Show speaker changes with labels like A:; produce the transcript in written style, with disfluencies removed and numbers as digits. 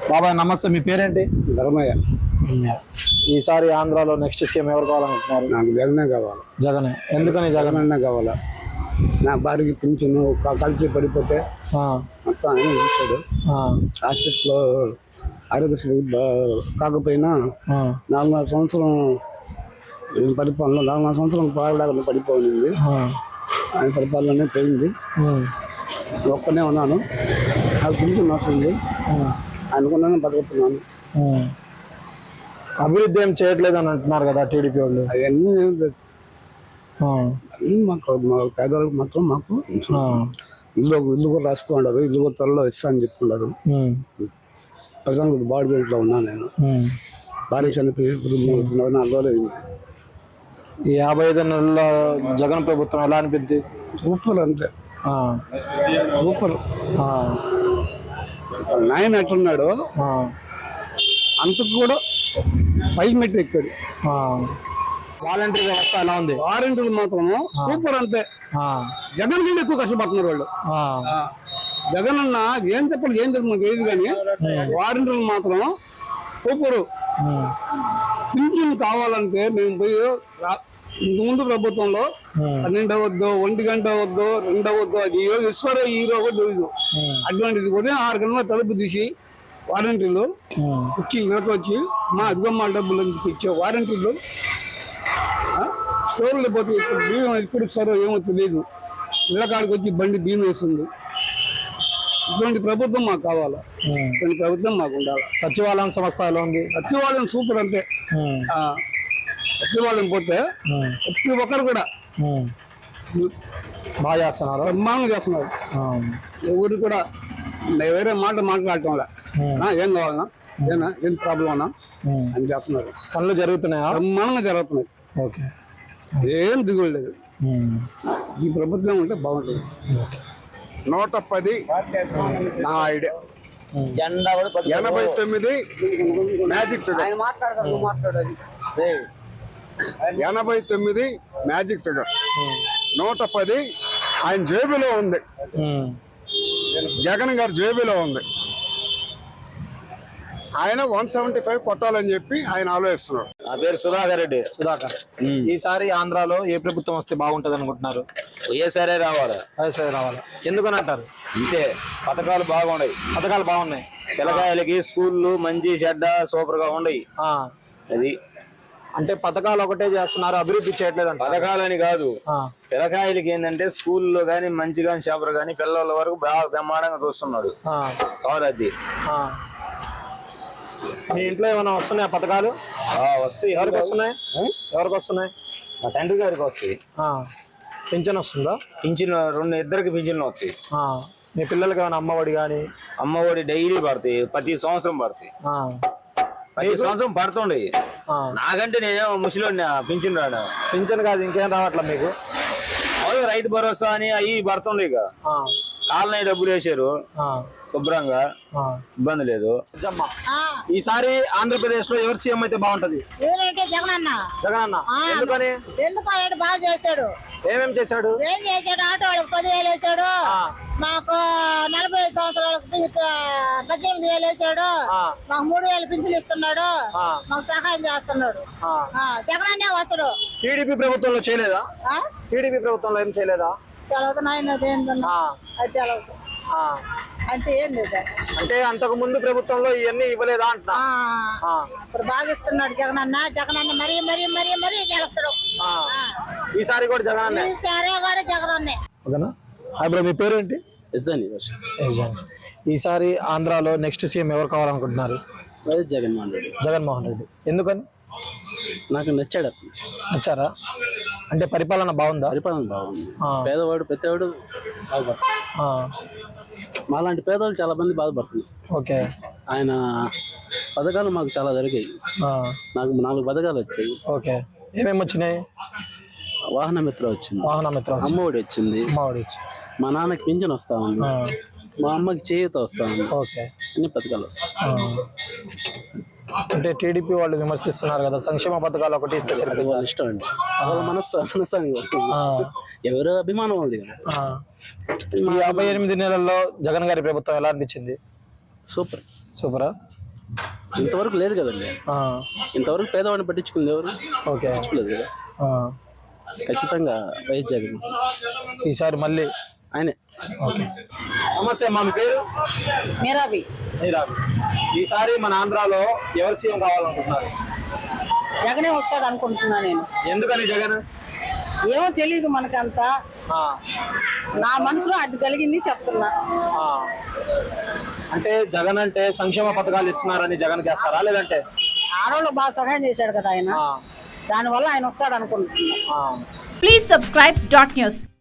A: బాబాయ్ నమస్తే, మీ పేరేంటి?
B: ధర్మయ్య.
A: ఈసారి ఆంధ్రాలో నెక్స్ట్ సీఎం ఎవరు కావాలనుకుంటున్నారు?
B: నాకు జగనే కావాలి.
A: జగనే. ఎందుకని జగన్?
B: జగనన్నా కావాలా. నా భార్యకి పింఛను కలిసి పడిపోతే మొత్తం ఆయన చూశాడు. హాస్పిటల్లో ఆరోగ్యశ్రీ కాకపోయినా 4 సంవత్సరం పరిపాలన 4 సంవత్సరం బాగలేకుండా పడిపోయింది. ఆయన పరిపాలన పోయింది. ఒక్కనే ఉన్నాను, నాకు పింఛన్ వస్తుంది, అనుకున్నాను, బతుకుతున్నాను.
A: అభివృద్ధి ఏం చేయట్లేదు అని అంటున్నారు కదా టీడీపీ వాళ్ళు.
B: అవన్నీ మాకు పేదవాళ్ళకి మాత్రం మాకు ఇల్లు కూడా రాసుకున్నారు. ఇల్లు కూడా త్వరలో ఇస్తా అని చెప్పుకున్నారు. ప్రజెంట్ బాడీ ఇంట్లో ఉన్నాను నేను. భార్య చనిపోయి 4 రోజులు అయింది.
A: ఈ 55 నెలల జగన్ ప్రభుత్వం ఎలా అనిపించింది?
B: సూపర్, అంతే సూపర్. నాయన ఎట్టున్నాడు అంతకు కూడా పై మెట్టు ఎక్కాడు.
A: వాలంటరీ వ్యవస్థ ఎలా ఉంది?
B: వారంటీలు మాత్రం సూపర్, అంతే. జగన్ కంటే ఎక్కువ కష్టపడుతున్నారు వాళ్ళు. జగన్ అన్న ఏం చెప్పాలి, ఏం చెప్పి మాకు ఏది కానీ వారంటీలు మాత్రం సూపరు. పింఛన్ కావాలంటే మేము పోయి ఇంతకుముందు ప్రభుత్వంలో 12 అవద్దు, 1 గంట అవద్దు, 2 అవద్దు, అది ఇస్తారో ఈ రోజు తెలియదు. అటువంటిది ఉదయం 6 గంటల తలుపు తీసి వారంటీలు వచ్చి ఇళ్ళకి వచ్చి మా అధికమ్మ డబ్బులు ఇచ్చే వారంటీలు స్టోర్లు పోతే ఇప్పుడు బియ్యం ఎప్పుడు ఇస్తారో ఏమో తెలియదు. ఇళ్ళ కాడికి వచ్చి బండి బియ్యం వేస్తుంది. ఇటువంటి ప్రభుత్వం మాకు కావాలా, ఇటువంటి ప్రభుత్వం మాకు ఉండాలి.
A: సచివాలయం సంస్థ ఎలా ఉంది?
B: సచివాలయం సూపర్, అంతే. సచివాలయం పోతే ప్రతి ఒక్కరు కూడా
A: బాగా చేస్తున్నారు,
B: బ్రహ్మాండంగా చేస్తున్నారు. ఎవరు కూడా వేరే మాట మాట్లాడటం ఏం కావాలన్నా, ఏం ప్రాబ్లం అన్నా అని చేస్తున్నారు.
A: పనులు జరుగుతున్నాయా?
B: బ్రహ్మాండంగా జరుగుతున్నాయి.
A: ఓకే,
B: ఏం దిగులు లేదు. ఈ ప్రభుత్వం ఉంటే బాగుంటుంది. 110 నా idea. 89 magic figure. 89 magic figure. 110 ఆయన జేబులో ఉంది, జగన్ గారి జేబులో ఉంది. ఆయన 175 కొట్టాలని చెప్పి ఆయన ఆలోచిస్తున్నాడు.
C: నా పేరు సుధాకర్ రెడ్డి.
A: సుధాకర్, ఈసారి ఆంధ్రాలో ఏ ప్రభుత్వం వస్తే బాగుంటది అనుకుంటున్నారు?
C: వైఎస్ఆర్ రావాలి.
A: వైఎస్ఆర్ రావాలి. ఎందుకని అంటారు?
C: అంతే, పథకాలు బాగున్నాయి.
A: పథకాలు బాగున్నాయి.
C: పిల్లకాయలకి స్కూళ్ళు మంచి చెడ్డ సూపర్ గా ఉన్నాయి. అది
A: అంటే పథకాలు ఒకటే చేస్తున్నారు, అభివృద్ధి చేయట్లేదు అంట.
C: పథకాలని కాదు, పిల్లకాయలకి ఏంటంటే స్కూల్లో గానీ మంచిగా చేపలు గానీ పిల్లల వరకు బాగా బ్రహ్మాండంగా చూస్తున్నాడు సార్. అది
A: మీ ఇంట్లో ఏమైనా వస్తున్నాయా పథకాలు?
C: వస్తాయి.
A: ఎవరికి వస్తున్నాయి? ఎవరికి వస్తున్నాయి?
C: మా తండ్రి గారికి వస్తాయి.
A: పింఛన్ వస్తుందా?
C: పింఛన్ ఇద్దరికి పింఛన్లు వస్తాయి.
A: మీ పిల్లలకి ఏమైనా అమ్మఒడి కానీ?
C: అమ్మఒడి డైలీ పడతాయి, ప్రతి సంవత్సరం పడతాయి. ప్రతి సంవత్సరం పడుతుండే. నాకంటే నేనేమో ముసలిని పింఛన్ రాడు.
A: పింఛన్ కాదు ఇంకేం రావట్లా మీకు?
C: రైతు భరోసా అని అవి పడుతుండే. ఇక కాలనీ డబ్బులు వేసారు శుభ్రంగా, ఇబ్బంది లేదు.
A: ఈసారి ఆంధ్రప్రదేశ్ లో ఎవరు సీఎం అయితే బాగుంటది?
D: జగనన్న.
A: జగనన్న. ఎందుకని?
D: ఎందుకు బాగా చేశాడు.
A: ఏమేమి చేశాడు?
D: ఏం చేశాడు? ఆటో వాళ్ళకి 10,000 వేసాడు, మాకు 45 సంవత్సరాలకు 18,000 వేసాడు, మాకు 3,000 పింఛన్లు ఇస్తున్నాడు, మాకు సహాయం చేస్తున్నాడు. జగనన్నే వస్తాడు.
A: టీడీపీ ప్రభుత్వంలో చేయలేదా? టీడీపీ ప్రభుత్వంలో ఏం చేయలేదా?
D: తెలవదు నాయన, అది తెలవదు. అంటే ఏం లేదా?
A: అంటే అంతకు ముందు ప్రభుత్వంలో ఇవన్నీ ఇవ్వలేదా అంటున్నా.
D: ఇప్పుడు బాగా ఇస్తున్నాడు జగనన్న. జగనన్న మరీ మరీ మరీ మరీ గెలుస్తాడు.
A: ఈసారి కూడా జగనన్న.
D: ఈసారి కూడా జగనన్నే.
A: ఓకేనా? బ్రో, మీ పేరు ఏంటి? ఈసారి ఆంధ్రాలో నెక్స్ట్ సీఎం ఎవరు కావాలనుకుంటున్నారు?
B: జగన్మోహన్ రెడ్డి.
A: జగన్మోహన్ రెడ్డి. ఎందుకని?
B: నాకు నచ్చాడు.
A: నచ్చారా? అంటే పరిపాలన బాగుందా?
B: పరిపాలన బాగుంది. పేదవాడు ప్రతివాడు బాధపడుతుంది. మాలాంటి పేదవాళ్ళు చాలా మంది బాధపడుతున్నారు.
A: ఓకే.
B: ఆయన పథకాలు మాకు చాలా జరిగాయి. నాకు 4 పథకాలు వచ్చాయి.
A: ఓకే. ఏమేమి వచ్చినాయి?
B: వాహన మిత్ర వచ్చింది,
A: అమ్మఒడి
B: వచ్చింది, మా నాన్నకి పింఛన్ వస్తా ఉంది, మా అమ్మకి చేయూత వస్తా ఉంది.
A: ఓకే.
B: అన్ని పథకాలు వస్తాయి.
A: అంటే టీడీపీ వాళ్ళు విమర్శిస్తున్నారు కదా, సంక్షేమ పథకాలు ఒకటి ఇస్తే
B: వాళ్ళ ఇష్టం అండి, వాళ్ళ మనస్సాన్ని ఎవరు అభిమానం ఉంది కదా.
A: ఈ 58 నెలల్లో జగన్ గారి ప్రభుత్వం ఎలా అనిపించింది?
E: సూపర్.
A: సూపరా?
E: ఇంతవరకు లేదు కదండి, ఇంతవరకు పేదవాడిని పట్టించుకుంది ఎవరు?
A: ఓకే,
E: పట్టించుకోలేదు కదా. ఖచ్చితంగా వైఎస్ జగన్
A: ఈసారి మళ్ళీ
E: ఆయనే.
A: ఓకే. నమస్తే, మా పేరు
D: మీరాబి.
A: ఈసారి మన ఆంధ్రాలో ఎవరు సీఎం కావాలనుకుంటున్నారు?
D: జగనే వస్తాడు అనుకుంటున్నా నేను.
A: ఎందుకని జగన్?
D: ఏమో తెలియదు మనకంతా, నా మనసులో అది కలిగింది చెప్తున్నా.
A: అంటే జగన్ అంటే సంక్షేమ పథకాలు ఇస్తున్నారని జగన్ చేస్తారా, లేదంటే
D: ఆడవాళ్ళు బాగా సహాయం చేశాడు కదా ఆయన, దానివల్ల ఆయన వస్తాడు అనుకుంటున్నా.
F: Please subscribe .news.